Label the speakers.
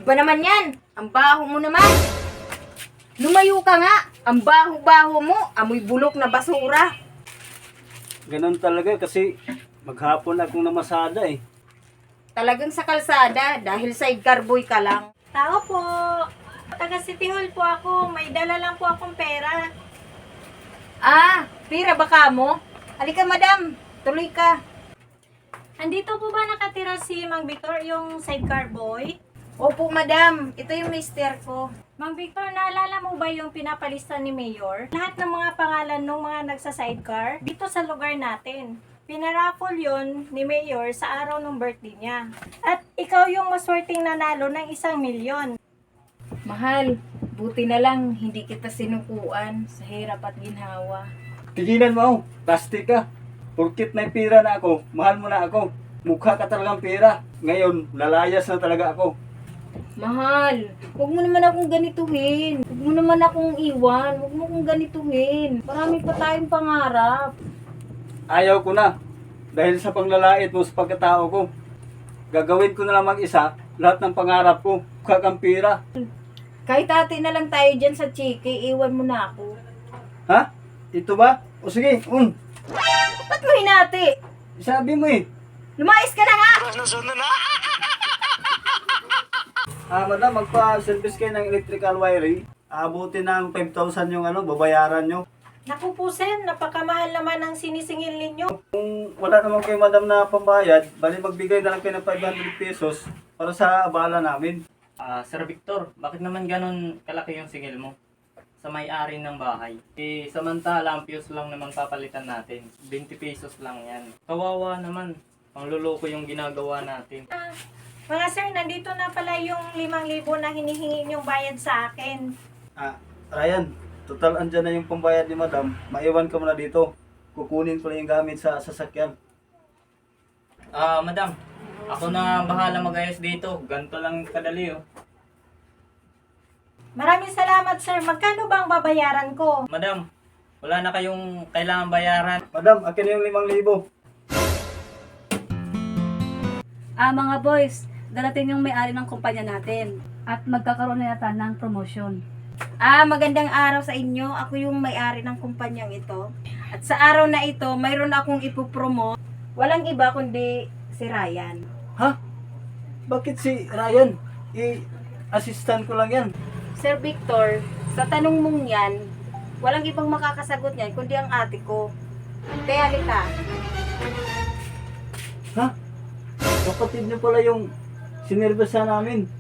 Speaker 1: ba naman yan? Ang baho mo naman. Lumayo ka nga. Ang baho-baho mo. Amoy bulok na basura.
Speaker 2: Ganun talaga kasi maghapon akong namasada eh.
Speaker 1: Talagang sa kalsada dahil sidecar boy ka lang.
Speaker 3: Tao po. Taga City Hall po ako. May dala lang po akong pera.
Speaker 1: Ah, pira baka mo? Halika madam, tuloy ka.
Speaker 3: Andito po ba nakatira si Mang Victor, yung sidecar boy?
Speaker 1: Opo madam, ito yung mister ko.
Speaker 3: Mang Victor, naalala mo ba yung pinapalista ni Mayor? Lahat ng mga pangalan ng mga nagsa-sidecar dito sa lugar natin. Pinaraffle yun ni Mayor sa araw ng birthday niya. At ikaw yung maswerteng nanalo ng 1 milyon.
Speaker 1: Mahal, buti na lang hindi kita sinukuan sa hirap at ginhawa.
Speaker 2: Tigilan mo, plastic ka. Porkit may pira na ako, mahal mo na ako. Mukha ka talagang pira. Ngayon, lalayas na talaga ako.
Speaker 1: Mahal, huwag mo naman akong ganituhin. Huwag mo naman akong iwan. Huwag mo akong ganituhin. Marami pa tayong pangarap.
Speaker 2: Ayaw ko na. Dahil sa panglalait mo sa pagkatao ko. Gagawin ko na lang mag-isa lahat ng pangarap ko. Mukha kang pira.
Speaker 1: Kahit ate na lang tayo dyan sa chiki, iwan mo na ako.
Speaker 2: Ha? Ito ba? O sige,
Speaker 1: Ba't mo hinati?
Speaker 2: sabi mo eh.
Speaker 1: Lumayas ka na nga!
Speaker 2: Madam, magpa-service kayo ng electrical wiring. Abutin ng 5,000 yung babayaran nyo.
Speaker 3: Naku po Sen, napakamahal naman ang sinisingil ninyo.
Speaker 2: Kung wala naman kayo madam na pambayad, bali magbigay na lang kayo ng 500 pesos para sa abala namin.
Speaker 4: Sir Victor, bakit naman ganun kalaki yung singil mo sa may-ari ng bahay? Samantala, ang fuse lang naman papalitan natin. 20 pesos lang yan. Kawawa naman. Pangluloko yung ginagawa natin.
Speaker 3: Mga sir, nandito na pala yung 5,000 na hinihingi niyong bayad sa akin.
Speaker 2: Ryan, total andyan na yung pambayad ni madam. Maiwan ka muna dito. Kukunin ko lang yung gamit sa sasakyan.
Speaker 4: Madam, ako na bahala mag-ayos dito. Ganito lang kadali oh.
Speaker 3: Maraming salamat sir. Magkano ba ang babayaran ko?
Speaker 4: Madam, wala na kayong kailangan bayaran.
Speaker 2: Madam, akin na yung 5,000.
Speaker 5: Mga boys, darating yung may-ari ng kumpanya natin at magkakaroon na yata ng promotion.
Speaker 1: Magandang araw sa inyo. Ako yung may-ari ng kumpanyang ito. At sa araw na ito, mayroon akong ipopromote. Walang iba kundi si Ryan.
Speaker 2: Ha? Bakit si Ryan? Assistant ko lang yan.
Speaker 1: Sir Victor, sa tanong mong yan, walang ibang makakasagot niyan kundi ang ate ko. Kaya halika.
Speaker 2: Ha? Kapatid niyo pala yung sinervisa namin.